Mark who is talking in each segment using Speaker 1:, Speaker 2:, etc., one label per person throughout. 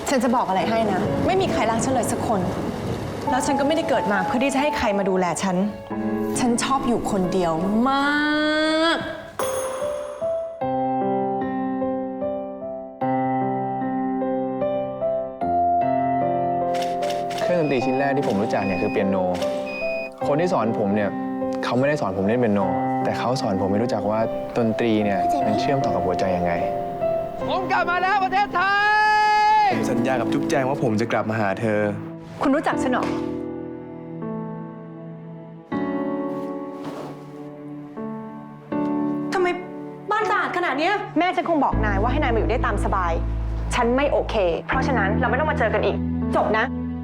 Speaker 1: ฉันจะบอกอะไรให้นะ ไม่มีใครรักฉันเลยสักคน แล้วฉันก็ไม่ได้เกิดมาเพื่อที่จะให้ใครมาดูแลฉัน ฉันชอบอยู่คนเดียวมาก
Speaker 2: เครื่องดนตรีชิ้นแรกที่ผมรู้จักเนี่ยคือเปียโน คนที่สอนผมเนี่ยเขาไม่ได้สอนผมเล่นเปียโน แต่เขาสอนผมให้รู้จักว่าดนตรีเนี่ยมันเชื่อมต่อกับหัวใจยังไง
Speaker 3: ผมกลับมาแล้วประเทศไทย
Speaker 2: ผมสัญญากับจุ๊บแจงว่าผมจะกลับมาหาเธอ
Speaker 1: คุณรู้จักฉันเหรอ ทำไมบ้านสะอาดขนาดนี้แม่ฉันคงบอกนายว่าให้นายมาอยู่ได้ตามสบาย ฉันไม่โอเค เพราะฉะนั้นเราไม่ต้องมาเจอกันอีก จบนะ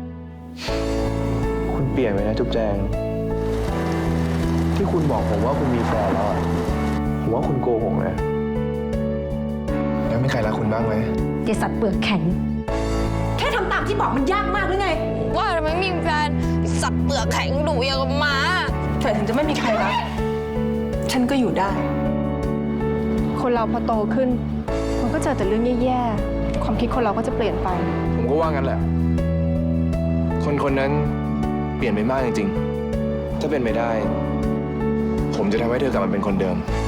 Speaker 2: คุณเปลี่ยนไปนะจุ๊บแจง ที่คุณบอกผมว่าคุณมีแฟนแล้วอะผมว่าคุณโกหกนะแล้วมีใครรักคุณบ้างไหม
Speaker 4: เจสัตว์เปลือกแข็ง
Speaker 1: แค่ทำตามที่บอกมันยากมากหรือไง
Speaker 5: ว่าทำไมไม่มีแฟนสัตว์เปลือกแข็งดุอย่างกับหมา
Speaker 1: แต่ถึงจะไม่มีใครรัก ฉันก็อยู่ได้ คนเราพอโตขึ้น มันก็เจอแต่เรื่องแย่ๆ ความคิดคนเราก็จะเปลี่ยนไป
Speaker 2: ผมก็ว่างั้นแหละ คนคนนั้นเปลี่ยนไปมากจริงๆ ถ้าเป็นไปได้ ผมจะทำให้เธอกลับมาเป็นคนเดิม